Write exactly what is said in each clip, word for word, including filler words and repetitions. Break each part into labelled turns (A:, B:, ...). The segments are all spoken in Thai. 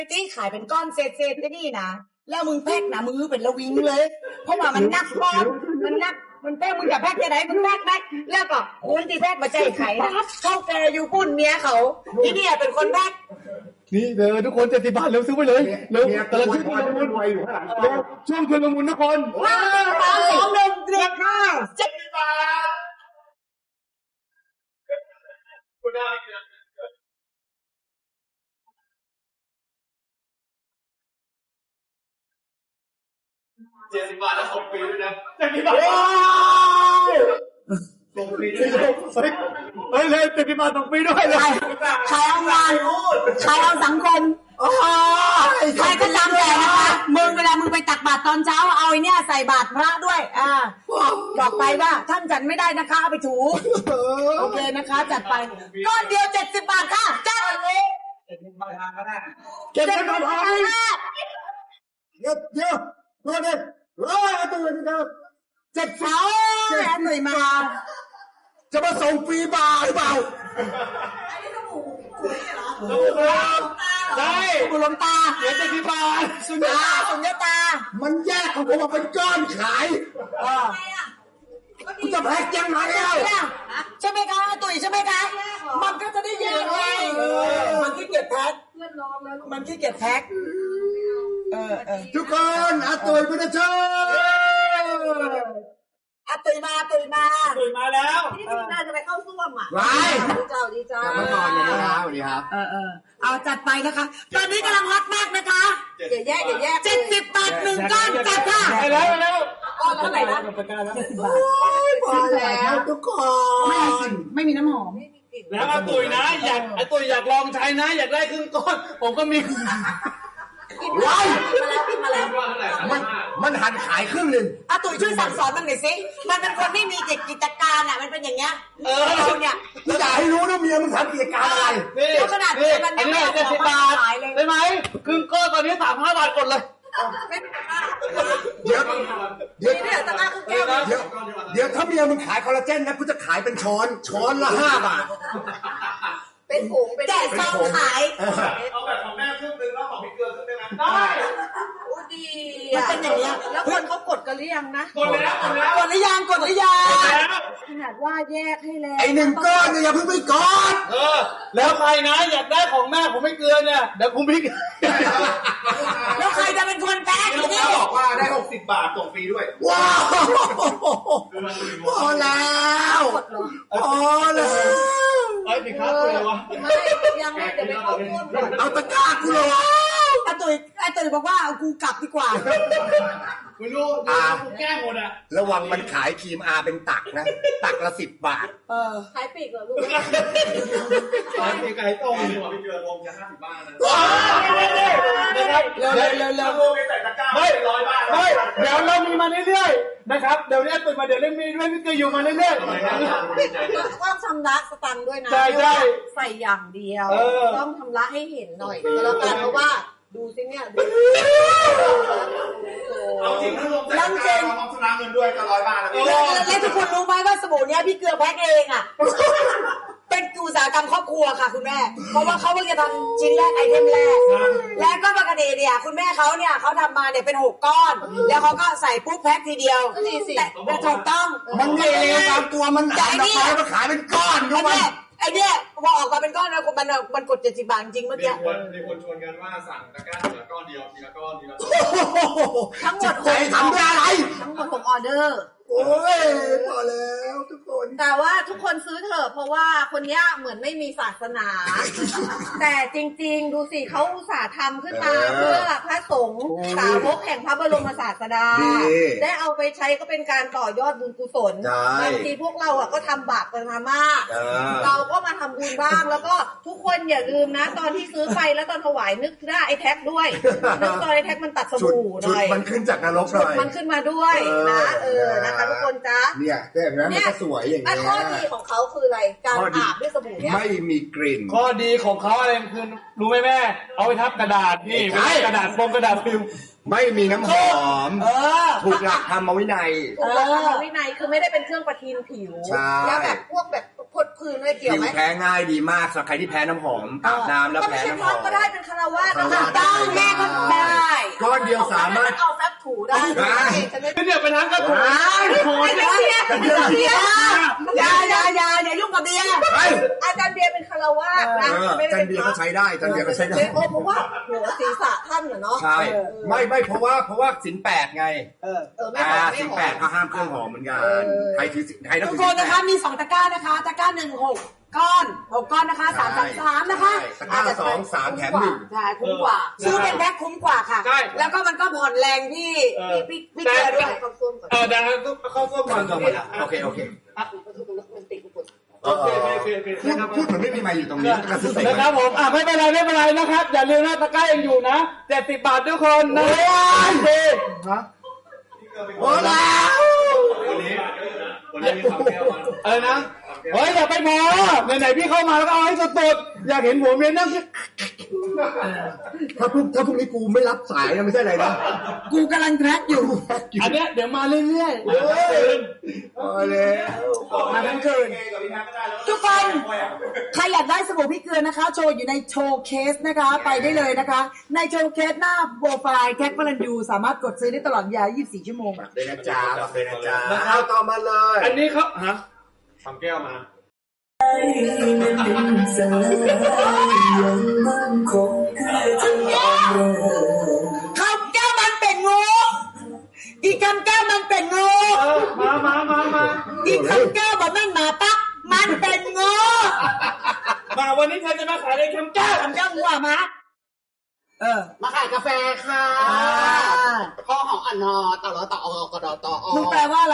A: ที่ขายเป็นก้อนเศษเศษนี่นะแล้วมึงแพ็กนะมือเป็นระวิงเลยเพราะว่ามันนักปอมมันนักมันแพ็กมึงจะแพ็กจะไหนมึงแพ็กได้แล้วก็คนที่แพ็กมาใจไข่นะเข้าแกอยู่ปุ่นเมียเขาที่นี่เป็นคนแพ็ก
B: นี่เด้อทุกคนเจ็ดสิบบาทเร็วซื้อไปเลยเร็วแต่ละชุดมันรวยอยู่ข้างหลังเร็วช่วงชวนละมุนทุกคน
A: ว้าวสองหนึ่งเรียกค่ะเจ็ดสิบบาท
C: คุณได้เจ็ดสิบบาทแล้วส่งฟรีด้วยนะเจ็ดสิบบาทส่งฟรีด้วย
B: เฮ้ยเลยเจ็ดสิบบาทส่งฟรีด้วยเลย
A: ใครเอางานใครเอาสังคมใครก็ตามแต่นะคะมึงเวลามึงไปตักบาตรตอนเช้าเอาไอ้เนี่ยใส่บาตรพระด้วยอ่าบอกไปว่าท่านจัดไม่ได้นะคะเอาไปถูโอเคนะคะจัดไปก้อนเดียวเจ็ดสิบบาทค่ะจัดเลย
C: เจ็ดสิบบาทก็ได้
B: เจ็ดสิบบาทเยอะเยอะเยอะเลยเฮ้ยตัวนี้ครับ
A: เจ็ดเช้าแอนหน่อยมา
B: จะมาส่งฟรีบาร์หรือเปล่า
A: อันนี้สบู่สวยเหรอ
B: ใช่
A: สบู่ลมตา
B: เหลือเจ็ดสิบบาท
A: สุญญาสุญญาตา
B: มันแยกของผมมาเป็นก้อนขายคุณจะแพ็กยังไงเล่า
A: ใช่ไหมคะตุ๋ยใช่ไหมคะมันก็จะได้แยกไงมันขี้เกียจแพ็กมันขี้เกียจแพ็ก
B: ทุกคนอาตุ๋ยพุทธเจ้า
A: อาตุ๋ยมาตุ๋ยมา
C: ตุ๋ยมาแล้ว
A: ที่นี่น่าจะไปเข้าซ่วมอ่ะ
B: ว้าย
A: ดีเจ้าดีเจ้า
B: เมื่อก่อนเลยนะครับสวัสดีครับ
A: เออเออเอาจัดไปนะคะตอนนี้กำลังฮอตมากนะคะอย่าแยกอย่าแยกเจ็ดสิบบาทหนึ่งก้อนจัดค่ะ
B: ไปแล้วไปแล้ว
A: ก้อนเท่าไหร่นะเจ็ดสิบบาทพอแล้วทุกคนไม่มีกลิ่นไม่มีน้ำหอม
C: แล้วอาตุ๋ยนะอยากอาตุ๋ยอยากลองใช้นะอยากได้ครึ่งก้อนผมก็มี
A: ว้ายมาแล้วมาแล้ว
B: มันมันหันขายครึ่งหนึ่ง
A: อาตุ๋ยช่วยสั่งสอนมันหน่อยสิมันเป็นคนไม่มีกิจการอ่ะมันเป็นอย่างเงี้ย
B: เออเนี่ยมึงอยากให้รู้นะเมียมึงทำกิจการอะไร
A: แล้วขนาดนี้มัน
C: ไม่ได้เจ็ดสิบบาทได้ไหมครึ่งก้อนตอนนี้สามห้าบาทกดเลย
B: เดี๋ยวเดี๋ยวเดี๋ยวเดี๋ยวถ้าเมียมึงขายคอลลาเจนนะกูจะขายเป็นช้อนช้อนละห้าบาท
A: เป็นผงเป็นแจกซองขาย
C: เอาแบบของแม่ครึ่งนึงแล้วของพี่เกลือครึ่งนึงนะได้
A: โอ้ดีมันเป็นอย่างเงี้ยแล้วคนเขากดกันหรือยังนะ
C: กดแล้วกดแล้ว
A: กดหรือยังกดหรือยังขนาดว่าแยกให้แล้ว
B: ไอ้หนึ่งก้อนเนี่ยอย่าเพิ่งไปกด
C: เออแล้วใครนะอยากได้ของแม่ผมไม่เกลือเนี่ยเดี๋ยวผมพี่
A: แล้วใครจะเป็นคนแพ็ค
C: ลูกค้าบอกว่าได้หกสิบบาทส่งฟรีด้วย
B: ว้าวพอแล้วพอแล้ว
C: ไอ้สิครับเลยวะ
A: ไม่ยังไม่เดี๋ยวไปเข้าร่วมก่อน
B: เอาตะกร้ากูเลย
A: ไอ้ตุ๋ยไอ้ตุ๋ยบอกว่าเอากูกลับดีกว่า
C: คุณรู้อ่ากูแก้หมดอ่ะ
B: ระวังมันขายครีมอาเป็นตักนะตักละสิบบาท
A: เออขายปีกเหรอลูก
C: ขายปีกไก่ต้มดีกว่าพี่เกลือลงจะห้าสิบบาทนะ
A: นะครับเร็วเร็วเร็วเร็ว
C: ใส่ตะกร้าไม่ร้อยบาท
B: ไม่เดี๋ยวเรามีมาเรื่อยๆนะครับเดี๋ยวนี้ตื่นมาเดี๋ยวเล่นมีด้วยพี่เกลืออยู่มาเรื่อย
A: ๆต้องชำระสตังค์ด้วยนะ
B: ใช่ใช่
A: ใส่อย่างเดียวต้องชำระให้เห็นหน่อยก็แล้วกันเพราะว่าดูสิเนี่ยดู
C: เอาจริงถ้าลงแต่กเราต้องชำระเงินด้วยก็ร้อยบาทแล้ว
A: แล้วทุกคนรู้ไหมว่าสบู่เนี้ยพี่เกลือแพ็คเองอ่ะเป็นอุตสาหกรรมครอบครัวค่ะคุณแม่เพราะว่าเขาเพิ่งจะทำชิ้นแรกไอเทมแรกและก็ปกติเนี่ยคุณแม่เขาเนี่ยเขาทำมาเนี่ยเป็นหกก้อนแล้วเขาก็ใส่ปุ๊บแพ็คทีเดียวแต่ถูกต้อง
B: มันไม่เลยตามตัวมันขายมันขายเป็นก้อนด้วย
A: ไอเนี้ยพอออกมาเป็นก้อนแล้วมันมันกดเจ็ดสิบบาทจริงเมื่อกี้
C: มีคนมีคนชวนกันว่าสั่งตะกร้าทีละก้อนเดียวทีละก้อนทีละก้อน
A: ทั้งหมด
B: ใจทำด้วยอะไร
A: ทั้งหมดหกออเดอร์
B: โอ้ยพอแล้วทุกคน
A: แต่ว่าทุกคนซื้อเถอะเพราะว่าคนนี้เหมือนไม่มีศาสนาแต่จริงๆดูสิเขาอุตส่าห์ทำขึ้นมาเพื่อพระสงฆ์สาวกแห่งพระบรมศาสดาได้เอาไปใช้ก็เป็นการต่อยอดบุญกุศลบางทีพวกเราอ่ะก็ทำบาปกันมามากเราก็มาทำบุญบ้างแล้วก็ทุกคนอย่าลืมนะตอนที่ซื้อไปแล้วตอนถวายนึกได้ไอ้แท็กด้วยนึกตอนไอ้แท็กมันตัดสบู่หน่อย
B: มันขึ้นจากนรกหน่อย
A: มันขึ้นมาด้วยนะเออนะคะทุกคนจ้า
B: เนี่ยแต่แบบนั้นมันก็สวยอย่างเงี้ย
A: ข้อดีของเขาคืออะไรการอาบด้วยสบู่เนี่ย
B: ไม่มีกลิ่น
C: ข้อดีของเขาอะไรคือรู้ไหมแม่เอาไปทับกระดาษนี่กระดาษโฟมกระดาษฟิล์ม
B: ไม่มีน้ำหอมถูกหลักธรรมวินัย
A: ถูกหลักธรรมวินัยคือไม่ได้เป็นเครื่องประทินผิวแล้วแบบพวกแบบคืนด้วยเกี่ยว
B: ผิว
A: ไหม
B: แพ้ง่ายดีมากสำหรับใครที่แพ้น้ำหอมอาบน้ำแล้ว
A: ก็ไม่
B: แพ้
A: ใช่
B: น้ำ
A: พ
B: ห
A: ร้
B: อ
A: อ
B: ม
A: มก็ได้เป็นคารวาสก็
B: คารวาส
A: ได้แม่ก็ได้
B: ก้อนเดียวสามารถ
A: เอาแฟบถูได้
B: ได้
C: เดี๋ยวไปทั้งกระถู
A: ไม่ไม่เชียร์ไม่เชียร์อย่าอย่าอย่าอย่ายุ่งกับเบียร์
B: เฮ้ย
A: อาจารย์เบียร์เป็นคารวาสนะ
B: เออ
A: ไม่ได้
B: จั
A: เป็น น
B: เบียร์
A: พ
B: ก็
A: ระ
B: ใช้ได้จันเบียร์ก็ใช้ได้
A: เพราะว่าหัวศีรษะท่านเหรอเนาะ
B: ใช่ไม่ไม่เพราะว่าเพราะว่าสินแปดไง
A: เออเออไม่
B: อ่า
A: หอมไม่
B: สิน
A: หอ
B: แปด
A: ม
B: ก็ห้ามเครื่องหอมเหมือนกันใครถือใครต้อง
D: ทุ
B: ถื
D: ก
B: อ
D: คนนะคะมีสองตะกร้านะคะตะกร้าหนึ่งหกก้อนหกก้อนนะคะสามสามสามนะคะ
B: ตะกร้าสองสามแถมหนึ่ง
D: ใช่คุ้มกว่าซื้อเป็นแพ็คคุ้มกว่าค่ะ แล้วก็มันก็ผ่อนแรงที่พี่พี่พี่เกลือด้วย
A: เข้าส้วมก่อน
C: เออดังนั้นต้องเข้าส้วมก่อน
B: ก่อนก่อนโอเคโอเค
A: มันติดกุศล
C: โอเคโอเคโอเค
B: พูดพูดเหมือนไม่มีไมค์อยู่ตรงนี้กระซิบใส่
C: นะครับผมอ่ะไม่เป็นไรไม่เป็นไรนะครับอย่าลืมนะตะกร้ายังอยู่นะเจ็ดสิบบาททุกคนนะดี
B: โอ้แล้ว
C: เออนะเฮ้ยอย่าไปพอไหนๆพี่เข้ามาแล้วก็เอาให้สุดๆอยากเห็นหัวเมียนั่ง
B: ถ้าพรุ่งถ้าพรุ่งนี้กูไม่รับสายนะไม่ใช่อะไรนะ
D: กูกำลังแพ็คอยู่
C: อันเนี้ยเดี๋ยวมาเรื่อยๆ
B: โอ้แล้ว
D: มาทั้งคืนทุกคนใครอยากได้สบู่พี่เกลือนะคะ โชว์อยู่ในโชว์เคสนะคะ ไปได้เลยนะคะ ในโชว์เคสหน้าโปรไฟล์แท็กพลันยูสามารถกดซื้อได้ตลอดเวลายี่สิบสี่ชั่วโมง
B: เลยนะจ๊ะเลยนะจ๊ะเอาต่อมาเลย
C: อันนี้เขาฮะทำแก้วมา
D: คำแก้วมันเป็นงู อีกคำแก้วมันเป็นงู
C: เออมามามามา
D: อีกคำแก้วบอกนั่นหมาปักมันเป็นงู
C: มาวันนี้เธอจะมาขายในคำแก้ว
D: คำแก้วงูอะมาเออ
E: มาขายกาแฟค่ะ
D: อ่า
E: ข้อของอันนอต่อรอต่ออกดอต่ออ
D: มึงแปลว่าอะไร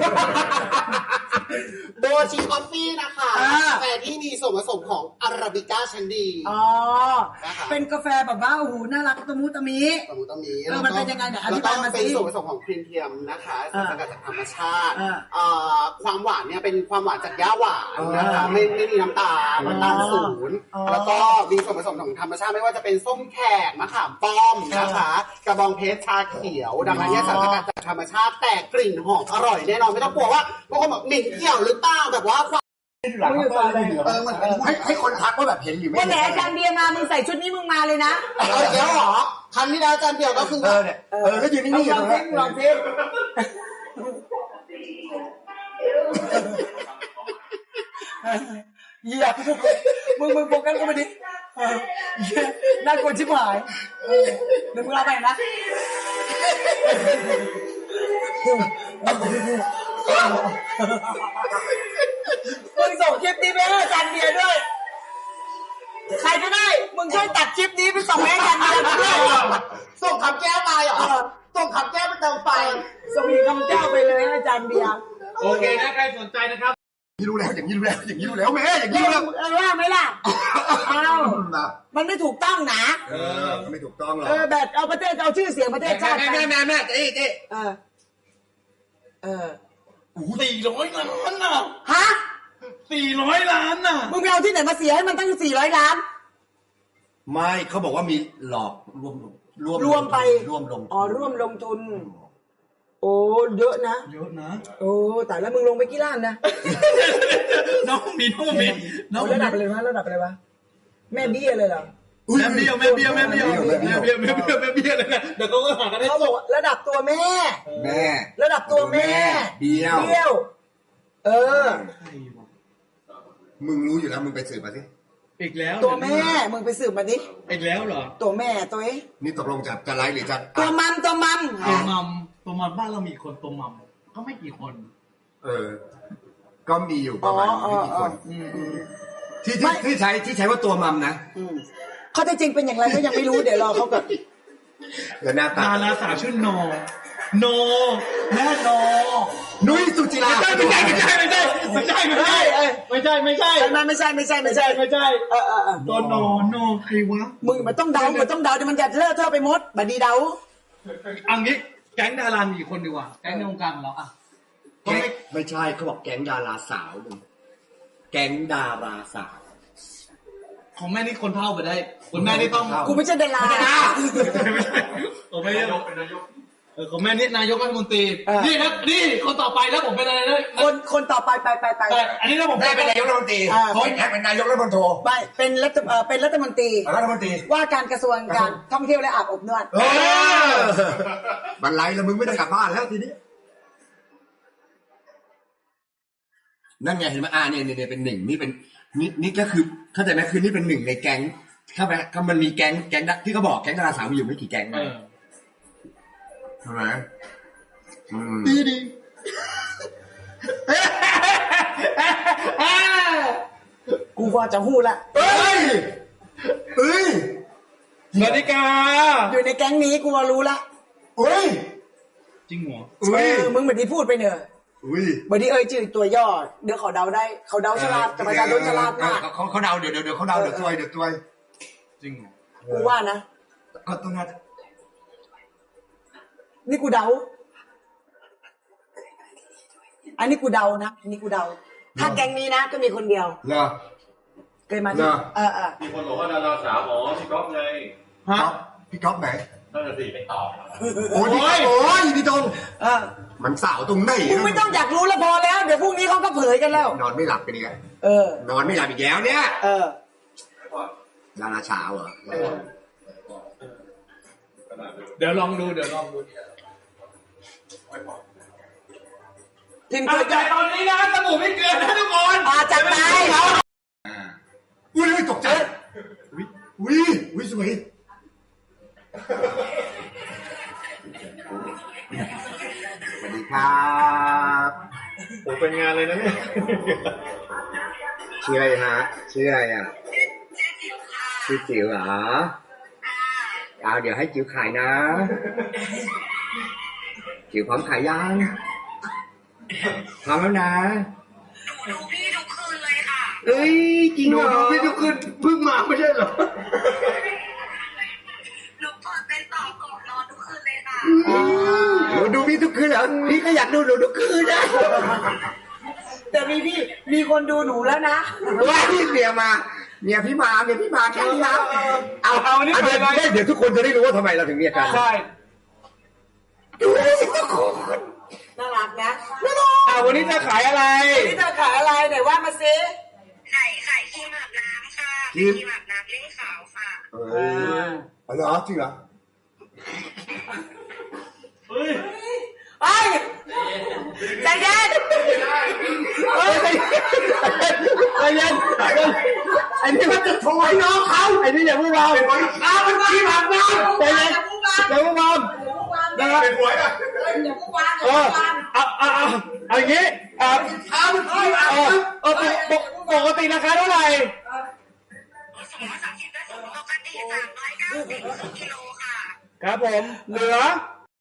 E: โบชิคอฟฟี่นะคะ
D: อ่า
E: กาแฟที่มีส่วนผสมของอาราบิก้าชั้นดี
D: อ๋อ เป็นกาแฟแบบว่าโอ้โหน่ารักตะมุตะมิ
E: ตรงนี้ตรงนี้
D: เออมันเป็นยังไงเนี่ยอธิ
E: แล้วก็
D: บายมาสิ
E: เป็นส่วนผสมของครีมเทียมนะคะ
D: อ่า
E: สกัดจากธรรมชาติ
D: อ่า
E: เอ่อความหวานเนี่ยเป็นความหวานจากย่าหวานนะคะไม่ไม่มีน้ำตาลน้ำตาลศูนย์
D: อ๋อ
E: แล้วก็มีส่วนผสมของธรรมชาติไม่ว่าจะเป็นส้มแขกมะขามป้อมนะคะ กระบองเพชรชาเขียวดังนั้นเนี่ยสารสกัดจากธรรมชาติแต่กลิ่นหอมอร่อยแน่นอนไม่ต้องกลัวว่าบางคนบอกเหม็นเกี่ยวหรือเปล่าแบบว่าความ
D: มึงอยู่ตอนอะไร
E: เออมันเป็น
B: ให้ให้คนทักว่าแบบเห็นหรือไม่
D: วันไหน
B: เห็น
D: อาจารย์เบียร์มา มึงใส่ชุดนี้มึงมาเลยนะ
E: เอาอีกแล้วเหรอครั้งที่แล้วอาจารย์เดียวก็คือ
B: เออเนี่ยเออก็ยืนนิ่งๆอยู่
D: ล
B: ต
D: อ
B: รง ง
D: เท
B: นั้
D: ป
B: น
D: ลองเทปเหยียบมึงมึงโฟกัสเข้ามาดิเออเหี้ยน่ากลัวชิบหายเออเดี๋ยวมึงเอาไปนะมึงส่งคลิปนี้ไปให้อาจารย์เบียร์ด้วย ใครก็ได้ มึงช่วยตัดคลิปนี้ไปส่งให้อาจารย์เบียร์ด้วย
E: ส่งคำแก้วมาเหรอส่งคำแก้วไปเติมไฟ
D: ส่งอีกคำเจ้าไปเลยให้อาจารย์เบียร์
C: โอเคนะใครสนใจนะครับ
B: อย่างนี้รู้แล้วอย่างนี้รู้แล้วอย่างนี้รู้แล้วแม่อย่างนี้
D: เล่า
B: รู้แล้ว
D: เออว่าไหมล่ะเอา
B: นะ
D: มันไม่ถูกต้องนะ
B: เออไม่ถูกต้องหรอก
D: เออแบบเอาประเทศเอาชื่อเสียงประเทศชาติ
B: แม่แม่แม่แม่เจ๊เจ๊
D: เออ เออ
C: สี่ร้อยล้านน่ะ
D: ฮะ
C: สี่ร้อยล้านน่ะ
D: มึงไปเอาที่ไหนมาเสียให้มันตั้งสี่ร้อยล้าน
B: ไม่เขาบอกว่ามีหลอกรวมรวม
D: รวมไป
B: รวมลง
D: อ๋อร่วมลงทุน โอ้เยอะนะ
C: เยอะนะ
D: โอ้แต่แล้วมึงลงไปกี่ล้านนะ
C: น้องมีน้องมีน้อง
D: เอาระดับอะไรวะระดับอะไรวะแม่เบี้ยเลยเหรอ
C: แม่เบี้ยวแม่เบี้ยวแม่เบี้ยวแม่เบี้ยวแม่เบี้ยวแม่เบี้ยวเลยนะเดี๋ยวเขาก็หากันได้
D: เขาบอกว่าระดับตัวแม่
B: แม่
D: ระดับตัวแม่
B: เบี้ยว
D: เบี้ยว เออ
B: มึงรู้อยู่แล้วมึงไปสืบมาสิ
C: อีกแล้ว
D: ตัวแม่ มึงไปสืบมาดิ
C: อีกแล้วเหรอ
D: ตัวแม่ตัวเอ๊ะ
B: นี่ตกลงจะจะไลฟ์หรือจะ
D: ตัวมัมตัวมัม
C: ตัวมัมตัวมัมบ้านเรามีคนตัวมัมก็ไม่กี่คน
B: เออ ก็มีอยู่ประมาณไม่กี่คนที่ที่ที่ใช้ที่ใช้ว่าตัวมัมนะ
D: อืมเขาจะจริงเป็นอย่างไรก็ยังไม่รู้เดี๋ยวรอเขาก่อน
B: เดี๋ยวหน้าตา
C: ดาราสาวชื่อโนโนแม่โน
B: นุ้ยสุจิรา
C: ไม่ใช่ไม่ใช่ไม่ใช่ไม่ใช่ไม่ใช่ไม่ใช่ไม่ใช่
D: ไม่ไม่ใช่ไม่ใช่
C: ไม่
D: ไม่
C: ใช่
D: ใช่
C: ไม่ใช่
D: เออเออเออ
C: ตัวโนโนใครวะ
D: มึงมันต้องเดามันต้องเดาเดี๋ยวมันจะเลอะเทอะไปหมดบัดดีเดา
C: อันนี้แก๊งดารามีคนดีกว่าแก๊งในวงการของเราอ่ะก็
B: แก๊ง
C: ไม่
B: ไม่ใช่เขาบอกแก๊งดาราสาวมึงแก๊งดาราสาว
C: ของแม่นี่คนเท่าไปได้คนแม่นี่ต้อง
D: กูไม่ใช่ดารา
C: ไม่ใช่ผมไม่ได้ผมเออของแม่นี่นายกรัฐมนตรีนี่ครับนี่คนต่อไปแล้วผมเป็นอะไรนะ
D: คนคนต่อไปไปไปไป
C: แต่อันนี้แล้วผม
B: ได้เป็นนายกรัฐมนตรีเขาแท็กเป็นนายกรัฐมนตรี
D: ไปเป็นรัฐเอ่อเป็นรัฐมนตรี
B: รัฐมนตรี
D: ว่าการกระทรวงการท่องเที่ยวและอาบอบนวด
B: เออบันไลแล้วมึงไม่ได้กลับบ้านแล้วทีนี้นั่นไงเห็นไหมอ่าเนี่ยเนี่ยเป็นหนึ่งนี่เป็นนี่นี่ก็คือเข้าใจไหมคือนี่เป็นหนึ่งในแก๊งเข้าไปก็มันมีแก๊งแก๊งที่เขาบอกแก๊งดาราสาวมีอยู่ไม่กี่แก๊งนะใช่ไหมดีดี
D: กูว่าจะหู้ละ
B: เฮ้ยเฮ้ย
C: สวัสดีกา
D: อยู่ในแก๊งนี้กูว่ารู้ละ
B: เฮ้ย
C: จริงเหรอ
B: เฮ้ย
D: เออมึงเหมือนที่พูดไปเนอะ
B: อุ้ย
D: บางทีเอ่ยชื่อตัวย่อเดี๋ยวเขาเดาได้เขาเดาฉลาดแต่ประชาชนฉลาดมาก
B: เขาเขาเดาเดี๋ยวเดี๋ยวเดี๋ยวเขาเดาเดี๋ยวตัวยเดี๋ยวตัวย
C: จริงเหรอ
D: กูว่านะ
B: ก็ต้องน่า
D: นี่กูเดา อันนี้กูเดานะอันนี้กูเดา ถ้าแก๊งนี้นะก็มีคนเดียว
B: เหรอ
D: เคยมาที่
B: เหรอ
D: เออเออ
F: มีคนบอกว่าดาราสาวอ๋อพี่ก๊อฟไง
C: ฮะ
B: ก๊อฟพี่ก๊อฟไหน
F: นั่นน่ะสิไม่ตอบ
B: โอ้ยพี่ก๊อฟโอ้ยพี่ตรง
D: เออ
B: มันสาวตรงไหน
D: มึงไม่ต้องอยากรู้แล้วพอแล้ว เดี๋ยวพรุ่งนี้เขาก็เผยกันแล้ว
B: นอนไม่หลับกันอีกอะ
D: เออ
B: นอนไม่หลับอีกแล้วเนี่ย
D: เออ
B: ดาราสาวเหรอ
C: เดี๋ยวลองดูเดี๋ยวลองดู
D: ทีม
C: อ่ะ
D: เกิด
C: แต่ตอนนี้นะสบู่ไม่เกินนะทุกคน
D: อาจัดไป
B: อุ้ยตกใจอุ้ยอุ้ยอุ้ยสวยสวัสดีครับ
F: ผมเป็นงานเลยนะเนี่ย
B: ชื่ออะไรฮะชื่ออะไรอ่ะชื่อจิ๋วเหรอเอาเดี๋ยวให้จิ๋วขายนะจิ๋วพร้อมขายยังพร้อมแล้วนะหนูดูพี่ทุกคืนเลยค่ะเอ้ยจริงเหรอหนูดูพี่ทุกคืนเพิ่งมาไม่ใช่เหรอ
G: หนูเปิดเป็นต่อก่อนนอนทุกคืนเลยค่ะ
B: หนูดูพี่ทุกคืนเหรอพี่ก็อยากดูหนูทุกคืนนะ
D: แต่มีพี่มีคนดูหนูแล้วนะ
B: ว่าพี่เมียมาเมียพี่มาเมียพี่มาแค่นี้นะเอา
C: เอานี่
B: เอา
C: ไป
B: เดี๋ยว
C: เลย
B: เดี๋ยวทุกคนจะได้รู้ว่าทำไมเราถึงเมียกัน
C: ใช่
B: ดูสิทุกคน
D: น่ารักนะ
C: อ่ะวันนี้จะขายอะไร
D: นี่เธอขายอะไรไหนว่ามาซิ
G: ไข่ไข่ครีมอาบน้ำค่ะครีมอาบน้ำเล่งขาวค่ะ
B: เออเอาเหรอจริงเหรอ
C: เฮ้ย
D: ไอ้ใจเย็น
C: เฮ้ยใจเย็นใจเย็นไอ้นี่มันจะโชว์ให้น้องเขาไอ้นี่อย่าพูดเราอ้าวมันขี้ผักน้ำใจเย็นอย่าพูดเรานะครับ
F: เป็นหวยอ่ะ
D: อย่าพูดวาง
C: เออเอาเอาเอาเอาอย่างงี้อ่าเอาเออเออปกปกติราคาเท่าไหร่
G: สองร้อยสามสิบได้สองปกติสามร้อยเก้าสิบครึ่งกิโลค่ะ
C: ครับผมเหลือ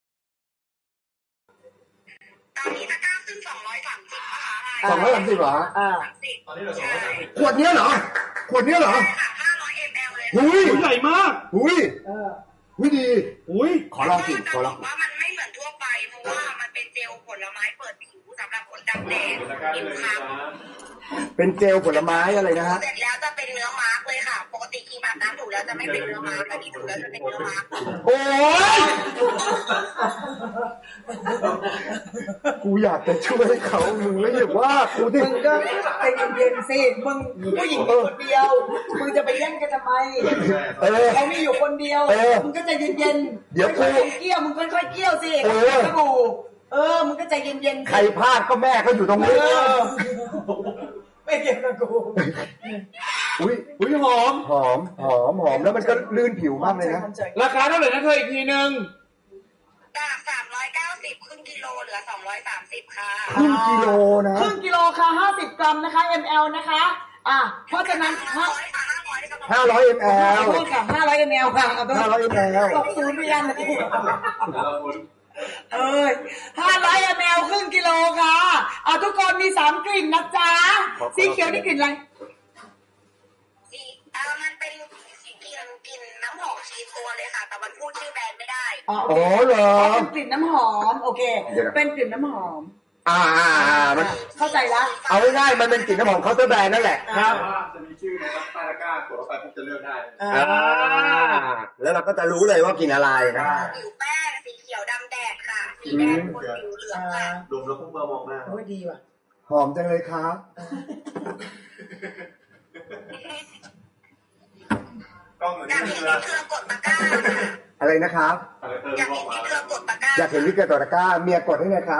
G: ตอนนี้ตะกร้าขึ้นสองร้อยสามสิบนะคะ
B: สองร้อยสามสิบเหรอ
D: อ่า
G: สามสิบใช่
B: ขวดเนี้ยเหรอขวดเนี้ยเหรอ
G: ค่ะห้าร้อยมลเลย
B: หุย
C: ใหญ่มาก
B: หุย
D: เออ
B: หุยดี
C: อุ้ย
B: ขอลองกินขอลอง
G: ว่ามันไม่เหมือนทั่วไปเพราะว่ามันเป็นเจลผลไม้เปิดผิวสำหรับคนดำแดงผิวคล้ำ
B: เป็นเจลผลไม้อะไรนะฮะ
G: เสร็จแล้วจะเป็นเนื้อมาร์กเลยค่ะ ปกติครีมอาบน้ำถูแล้วจะไม่เป็นเนื้อมาร์กอันนี้ถูแล้วจะเป็นเนื้อมาร์ก
C: โอ้ย
B: กูอยากจะช่วยเขามึงแล้วอย่าว่ากูดิ
D: มึงก็ใจเย็นๆสิมึงผู้หญิงมีคนเดียวมึงจะไปแย่งกันทำไม
B: เออ
D: เขามีอยู่คนเดียว
B: เออ
D: มึงก็ใจเย็นๆ
B: เดี๋ยวกู
D: ค่อยๆเกี้ยวมึงค่อยๆเกี้ยวสิ
B: เออ
D: สบู่เออมึงก็ใจเย็นๆ
B: ใครพลาดก็แม่ก็อยู่ตรง
D: เอ
B: นี้
D: อไม่เกี่ยวกับกู
B: อุ้ย
C: อุ้ยหอม
B: หอมหอมหอมแล้วมันก็ลื่นผิวมากเลยนะ
C: ราคาเท่าไหร่นะเธออีกทีนึง
G: จากสามร้อยเก้าสิบครึ่งกิโลเหลือสองร้อยสามสิบค่ะ
B: ครึ่งกิโลนะ
D: ครึ่งกิโลค่ะห้าสิบกรัมนะคะ มล นะคะ อ่ะเพราะฉะนั้น
G: ห้า
D: ห้า
G: ร้อยค่ะห้าร้อยกับ
B: ห้าร้อยม
D: ขอ
B: ล
D: โทษค่ะห้าร้อยมลค่ะขอโทษ
B: ห้าร้อยมล
D: ตกศูนย์ไปยันเออห้าร้อยมลครึ่งกิโลค่ะอ่ะทุกคนมีสามกลิ่นนะจ๊ะสีเขียวนี่กลิ่นอะไร
G: สีเออมันเป็นสีกลิ่นกลิ่นน้ำหอมชีตัวเลยค่ะ แต่มันพูดชื่อแบรนด์ไม่ได้
D: อ๋อ
B: อ๋อเหรอ
D: เป็นกลิ่นน้ำหอมโอเค
B: เดี๋ยวนะ
D: เป็นกลิ่นน้ำหอม
B: อ่าอ่าอ่ามัน
D: เข้าใจละ
B: เอาง่ายๆมันเป็นกลิ่นน้ำหอมเคาน์เตอร์แบรนด์นั่นแหละ
C: ครับ
F: จะมีชื่อนะครับใต้ตะกร้ากดเข้าไปปุ๊บจะเลือกได้
D: อ่า
B: อ่าแล้วเราก็จะรู้เลยว่ากลิ่นอะไรนะ
G: ผิวแป้งสีเขียวดำแดดค่ะสีแดงบนผิวเหลืองค่ะ
F: ดมแล้วพุ่งมามองหน้า
D: โอ้ยดีว่ะ
B: หอมจังเลยครับ
F: กล้องเหมือน
G: อยาก
F: นี่
G: เห็น
F: เลย
G: พี่เกลือกดตะกร้าค่ะ
B: อะไรนะครับ
F: อะไรเติม
G: อยาก
F: บอ
G: เห็
F: ก
G: น
F: มา
G: พี่เกลือกดตะกร้า
B: อยากเห็นวิกเกอร์ตัวตะกร้าเมียกดให้หนะครับ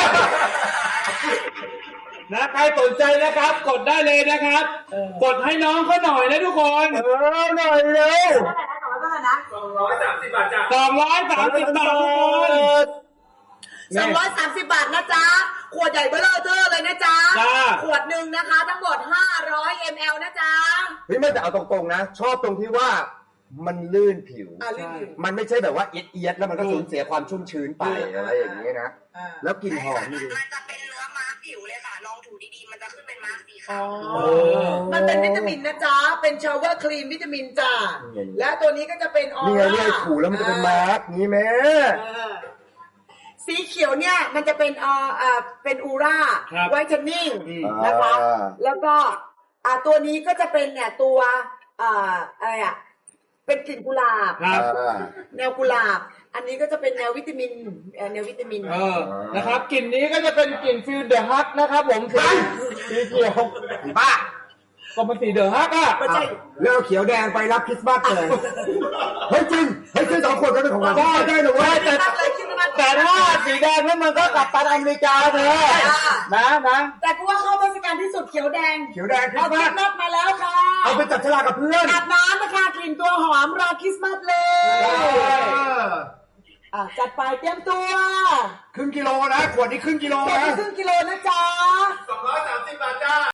C: นะใครสนใจนะครับ กดได้เลยนะครับ กดให้น้องเขาหน่อยนะทุกคน
B: เออหน่อยเร็ว
D: เท่าไหร่นะต่อเท่าไหร่นะ
F: สองร้อยสามสิบบาทจ้ะ
C: สองร้อยสามสิบบาท
D: สองร้อยสามสิบบาทนะจ๊ะ ขวดใหญ่เบ้อเลอเทอร์เลยนะจ๊ะ
C: จ้า
D: ขวดหนึ่งนะคะ ทั้งหมดห้าร้อยมิลลิลิตร นะจ๊ะ
B: เฮ้ยไม่แต่เอาตรงๆนะ ชอบตรงที่ว่ามันลื่นผิว
D: อ่าลื่นผิว
B: มันไม่ใช่แบบว่าเอียดเอียดๆแล้วมันก็สูญเสียความชุ่มชื้นไปอะไรอย่างนี้นะ
D: อ่า
B: แล้วกลิ่นหอมนี่ดู
G: มันจะเป็นเนื้อมาร์กผิวเลยค่ะ ลองถูดีๆ มันจะขึ้นเป็นมาร์กสี
D: อ๋
G: ขา
D: อ
G: ว
D: มันเป็นวิตามินนะจ๊ะ เป็นชาวเวอร์ครีมวิตามินจ้ะ และตัวนี้ก็จะเป็นออ
B: นี่ไง
D: ร่า
B: เนี่ยถูแล้วมันจะเป็นมาร์กนี้แม่
D: เออสีเขียวเนี่ย มันจะเป็นเอ่อเอ่อเป็นอูร่า
C: ครับ
D: ไวท์เทนนิ่งนะคะ แล้วก็อ่าตัวนี้ก็จะเป็นเนี่ยตัวอ่าอะไรอ่ะ เป็นกลิ่นกุหลาบ
C: ครับ
D: แนวกุหลาบ อันนี้ก็จะเป็นแนววิตามินเอ่อแนววิตามิน
C: เออ นะครับกลิ่นนี้ก็จะเป็นกลิ่นฟิลเดอะฮักนะครับผมสีสีเขียว
B: ป้า
C: ก็มันสีเดอะฮักอ่ะ
D: ไม่ใช่
B: เลือกเขียวแดงไปรับคริสต์มาสเลย เฮ้ยจริง เฮ้ยซื้อสองขวดก็เป็นของเราได้ได้หรือว่า
C: แต่แต่ถ้าสีแดงนั้นมันก็กลับตันอเมริกาเธอนะนะ
D: แต่กูว่าเข้าเทศกาลที่สุดเขียวแดง
B: เขียวแดงคริ
D: เอา
B: สต์
D: คริ
B: มา
D: ส
B: ส
D: ต์มาสมาแล้วค่ะ
B: เอาไปจับฉลากกับเพื่อน
D: อาบน้ำนะคะกลิ่นตัวหอมรอคริสต์มาสเลย
B: เออ
D: อ่ะจัดไปเตรียมตัว
B: ครึ่งกิโลนะ ขวดนี้ครึ่งกิโล
D: ขวด
B: นะ
D: ละครึ่งกิโลนะจ๊ะ
F: สองร้อยสามสิบบาทจ้า